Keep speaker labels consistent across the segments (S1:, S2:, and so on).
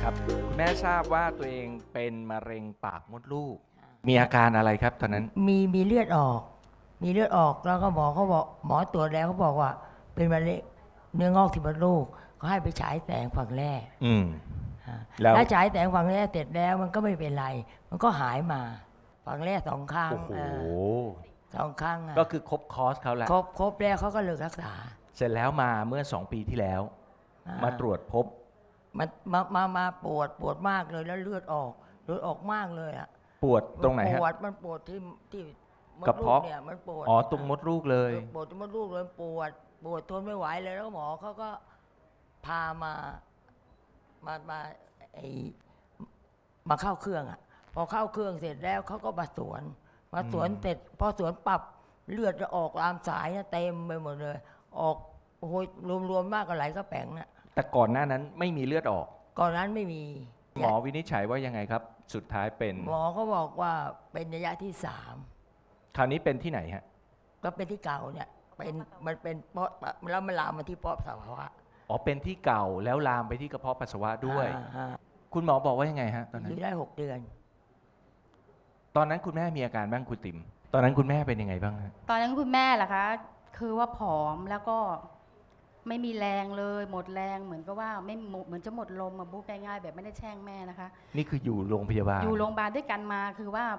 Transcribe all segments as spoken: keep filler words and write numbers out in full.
S1: ครับคุณแม่ทราบว่าตัวเองเป็นมะเร็งปากมดลูกมีอาการอะไรครับตอนนั้น
S2: มีมีเลือดออก มีเลือดออกแล้วก็หมอเขาบอกหมอตรวจแล้วเขาบอกว่าเป็นมะเร็งเนื้องอกที่มดลูกเขาให้ไปฉายแสงฝั่งแรก
S1: อืม
S2: ฮะ
S1: แล้ว
S2: แล้วฉายแสงฝั่งแรกเสร็จแล้วมันก็ไม่เป็นไร มันก็หายมาฝั่งแรกสองข้าง
S1: โอ้โห
S2: เออสองข้างอะ
S1: ก็คือครบคอร์สเขาแหละ
S2: ครบครบแล้วเขาก็เลิกรักษา
S1: เสร็จแล้วมาเมื่อสองปีที่แล้ว
S2: อ่
S1: มาตรวจพบ
S2: มันมามามาปวดปวดมากเลยแล้วเลือดออกเลือดออกมากเลยอ่ะ
S1: ปวดตรงไหน
S2: มั
S1: ฮะ
S2: ปวดมันปวดที่ที่มด
S1: กระ
S2: ลู
S1: เพาะ
S2: เนี่ยมันปวด
S1: อ๋อตรงมดลูกเลย
S2: ปวดตรงมดลูกเลยปวดปวดทนไม่ไหวเลยแล้วหมอเขาก็พามามามาไอมาเข้าเครื่องอ่ะ พอเข้าเครื่องเสร็จแล้วเขาก็มาสวน มาสวน
S1: อืม
S2: เสร็จพอสวนปรับเลือดจะออกตามสายนะเต็มไปหมดเลย ออกโอ้โหรวมๆมากกว่าไหลก็แป๋งน่ะ
S1: แต่ก่อนหน้านั้นไม่มีเลือดออก
S2: ก่อนนั้นไม่มี
S1: หมอวินิจฉัยว่ายังไงครับ สุดท้ายเป็น
S2: หมอเขาบอกว่าเป็นระยะที่สาม
S1: คราวนี้เป็นที่ไหนฮะ
S2: ก็เป็นที่เก่าเนี่ยเป็นมันเป็นเพราะแล้วมันลามมาที่ปอดสาวะ
S1: อ๋อเป็นที่เก่าแล้วลามไปที่กระเพาะปัสสาวะด้วย
S2: อ่าฮะ
S1: คุณหมอบอกว่ายังไงฮะตอน
S2: อ
S1: นั้น
S2: ยู่ได้หกเดือน
S1: ตอนนั้นคุณแม่มีอาการบ้างคุณติ๋มตอนนั้นคุณแม่เป็นยังไงบ้างฮะ
S3: ตอนนั้นคุณแม่ล่ะคะ คือว่าผอมแล้วก็ไม่มีแรงเลย หมดแรงเหมือนกับว่าไม่หมดเหมือนจะหมดลมมาบุ๊กง่ายๆแบบไม่ได้แช่งแม่นะคะ
S1: นี่คืออยู่โรงพยาบาล
S3: อยู่โรงพยาบาลด้วยกันมาคือว่าน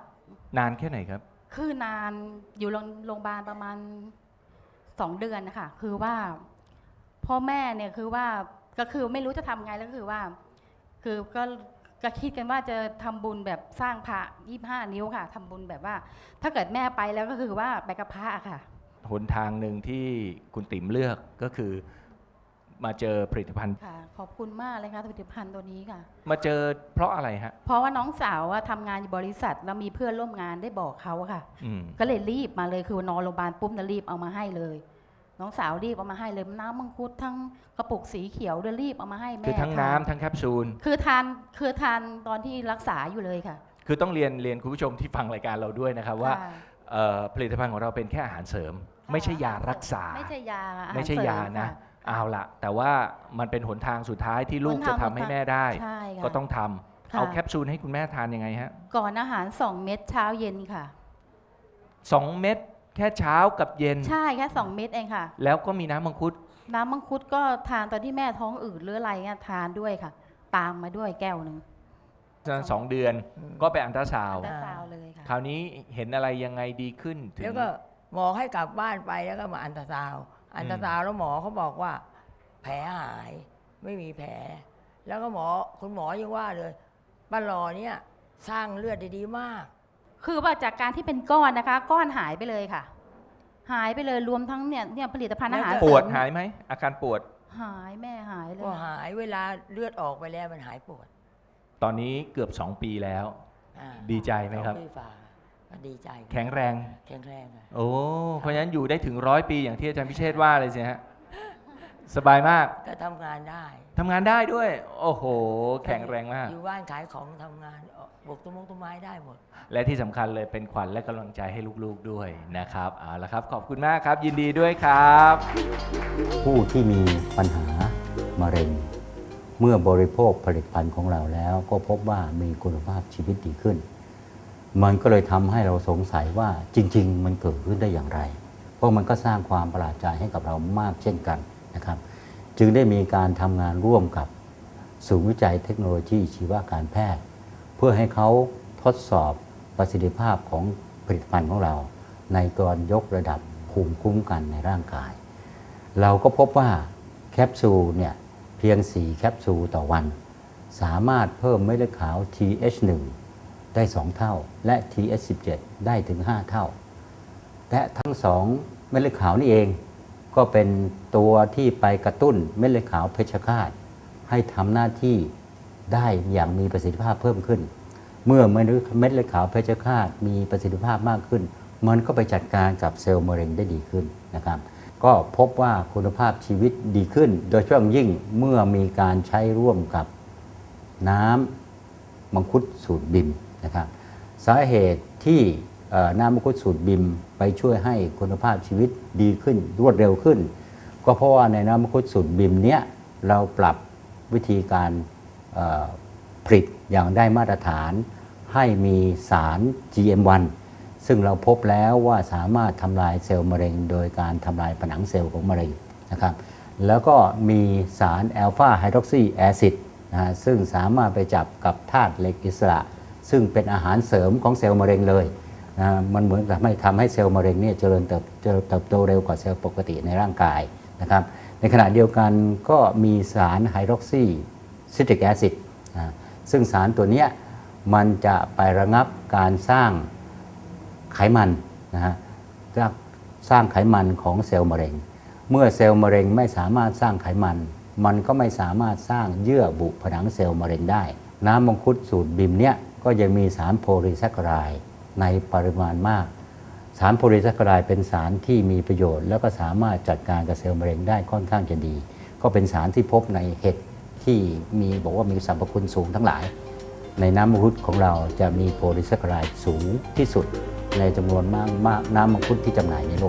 S1: านแค่ไหนครับ
S3: คือนานอยู่โรงโรงพยาบาลประมาณสองเดือนนะคะคือว่าพ่อแม่เนี่ยคือว่าก็คือไม่รู้จะทำไงแล้วก็คือว่า คือก็ก็คิดกันว่าจะทำบุญแบบสร้างพระยี่ห้านิ้วค่ะทำบุญแบบว่า ถ้าเกิดแม่ไปแล้วก็คือว่าไปกับพระค่ะ
S1: หนทางหนึ่งที่คุณติ๋มเลือกก็คือมาเจอผลิตภัณฑ์
S3: ค่ะขอบคุณมากเลยค่ะผลิตภัณฑ์ตัวนี้ค่ะ
S1: มาเจอเพราะอะไรฮะ
S3: เพราะว่าน้องสาวอะทำงานอยู่บริษัทแล้วมีเพื่อนร่วมงานได้บอกเขาอะค่ะ
S1: อืม
S3: ก็เลยรีบมาเลยคือนอนโรงพยาบาลปุ๊บนะรีบเอามาให้เลย น้องสาวรีบเอามาให้เลยน้ำมังคุดทั้งกระปุกสีเขียวด้วยรีบเอามาให้แม่
S1: คือทั้ง
S3: ทา
S1: น้ำทั้งแคปซูล
S3: คือทานคือทานตอนที่รักษาอยู่เลยค่ะ
S1: คือต้องเรียนเรียนคุณผู้ชมที่ฟังรายการเราด้วยนะครับว่า
S3: ค่ะ
S1: เอ่อผลิตภัณฑ์ของเราเป็นแค่อาหารเสริม ไม่ใช่ยารักษา
S3: ไม่ใช่ยาอาหาร
S1: ไม่ใช่ยา
S3: เสริม
S1: นะ
S3: ค่
S1: เอาละแต่ว่ามันเป็นหนทางสุดท้ายที่ลูก
S3: หน
S1: จะ
S3: ทาง
S1: ทำให้แม่ได้
S3: ใช่ค่ะ
S1: ก็ต้องทำ
S3: ค่ะ
S1: เอาแคปซูลให้คุณแม่ทานยังไงฮะ
S3: ก่อนอาหารสองเม็ดเช้าเย็นค่ะ
S1: สองเม็ดแค่เช้ากับเย็น
S3: ใช่แค่สองเม็ดเองค่ะ
S1: แล้วก็มีน้ำมังคุด
S3: น้ำมังคุดก็ทานตอนที่แม่ท้องอืดหรืออะไรเงี้ยทานด้วยค่ะ ตามมาด้วยแก้วหนึ่ง
S1: สองเดือน
S2: อืม
S1: ก็ไปอันตราซาวด์
S3: แต่ซาวเลยค่ะ
S1: คราวนี้เห็นอะไรยังไงดีขึ้นถึง
S2: แล้วก็หมอให้กลับบ้านไปแล้วก็มาอันตราซาวด์อันตราซาวด์แล้วหมอเขาบอกว่า แผลหายไม่มีแผล แล้วก็หมอคุณหมอยังว่าเลยป้าหลอเนี่ยสร้างเลือดได้ดีมาก
S3: คือว่าจากการที่เป็นก้อนนะคะ ก้อนหายไปเลยค่ะ หายไปเลยรวมทั้งเนี่ยเนี่ยผลิตภัณฑ์อาหาร
S2: แล้ว
S1: ป
S3: เสริ
S1: วด
S3: ม
S1: หายไหมอาการปวด
S3: หายแม่หายเลย
S2: ก็หายเวลาเลือดออกไปแล้วมันหายปวด
S1: ตอนนี้เกือบสองปีแล้ว
S2: อ่า
S1: ดีใจไหมครับ
S2: สองปีฝ่าก็ดีใจ
S1: แข็งแรง
S2: แข็งแรงอะ
S1: โอ้เพราะฉะนั้นอยู่ได้ถึงร้อยปีอย่างที่อาจารย์พิเชษฐ์ว่าเลยสิฮะสบายมาก
S2: ก็ทำงานได้
S1: ทำงานได้ด้วย โอ้โห แข็งแรงมาก
S2: อยู่บ้านขายของทำงานปลูกต้นมงต้นไม้ได้หมด
S1: และที่สำคัญเลยเป็นขวัญและกำลังใจให้ลูกๆด้วยนะครับเอาละครับ ขอบคุณมากครับ ยินดีด้วยครับ
S4: ผู้ที่มีปัญหามะเร็ง เมื่อบริโภคผลิตภัณฑ์ของเราแล้วก็พบว่ามีคุณภาพชีวิตดีขึ้น มันก็เลยทำให้เราสงสัยว่าจริง ๆ มันเกิดขึ้นได้อย่างไร เพราะมันก็สร้างความประหลาดใจให้กับเรามากเช่นกันนะครับ จึงได้มีการทำงานร่วมกับศูนย์วิจัยเทคโนโลยีชีวการแพทย์ เพื่อให้เขาทดสอบประสิทธิภาพของผลิตภัณฑ์ของเรา ในการยกระดับภูมิคุ้มกันในร่างกาย เราก็พบว่าแคปซูลเนี่ยเพียง สี่ แคปซูลต่อวัน สามารถเพิ่มเม็ดเลือดขาว ที เอช หนึ่ง ได้ สอง เท่า และ ที เอช สิบเจ็ด ได้ถึง ห้า เท่า และทั้งสองเม็ดเลือดขาวนี่เองก็เป็นตัวที่ไปกระตุ้นเม็ดเลือดขาวเพชฌฆาตให้ทำหน้าที่ได้อย่างมีประสิทธิภาพเพิ่มขึ้น เมื่อเม็ดเลือดขาวเพชฌฆาตมีประสิทธิภาพมากขึ้น มันก็ไปจัดการกับเซลล์มะเร็งได้ดีขึ้นนะครับ ก็พบว่าคุณภาพชีวิตดีขึ้น โดยเฉพาะยิ่งเมื่อมีการใช้ร่วมกับน้ำมังคุดสูตรบิมนะครับ สาเหตุที่น้ำมังคุดสูตรบิมไปช่วยให้คุณภาพชีวิตดีขึ้นรวดเร็วขึ้น ก็เพราะว่าในน้ำมังคุดสูตรบิมเนี้ยเราปรับวิธีการผลิตอย่างได้มาตรฐานให้มีสาร จี เอ็ม วัน ซึ่งเราพบแล้วว่าสามารถทำลายเซลล์มะเร็งโดยการทำลายผนังเซลล์ของมะเร็งนะครับแล้วก็มีสารแอลฟาไฮดรอกซีแอซิดนะฮะซึ่งสามารถไปจับกับธาตุเหล็กอิสระ ซึ่งเป็นอาหารเสริมของเซลล์มะเร็งเลยนะมันเหมือนกับไม่ทำให้เซลล์มะเร็งเนี่ยเจริญเติบเจริญเติบโตเร็วกว่าเซลล์ปกติในร่างกายนะครับในขณะเดียวกันก็มีสารไฮดรอกซีซิตริกแอซิดนะซึ่งสารตัวเนี้ยมันจะไประงับการสร้างไขมันนะฮะสร้างไขมันของเซลล์มะเร็งเมื่อเซลล์มะเร็งไม่สามารถสร้างไขมันมันก็ไม่สามารถสร้างเยื่อบุผนังเซลล์มะเร็งได้น้ำมังคุดสูตรบิมเนี่ยก็ยังมีสารโพลีแซคคาไรด์ในปริมาณมากสารโพลีแซคคาไรด์เป็นสารที่มีประโยชน์แล้วก็สามารถจัดการกับเซลล์มะเร็งได้ค่อนข้างจะดีก็เป็นสารที่พบในเห็ดที่มีบอกว่ามีสรรพคุณสูงทั้งหลายในน้ำมังคุดของเราจะมีโพลีแซคคาไรด์สูงที่สุดในจำนวนมากน้ำมังคุดที่จำหน่ายในโลก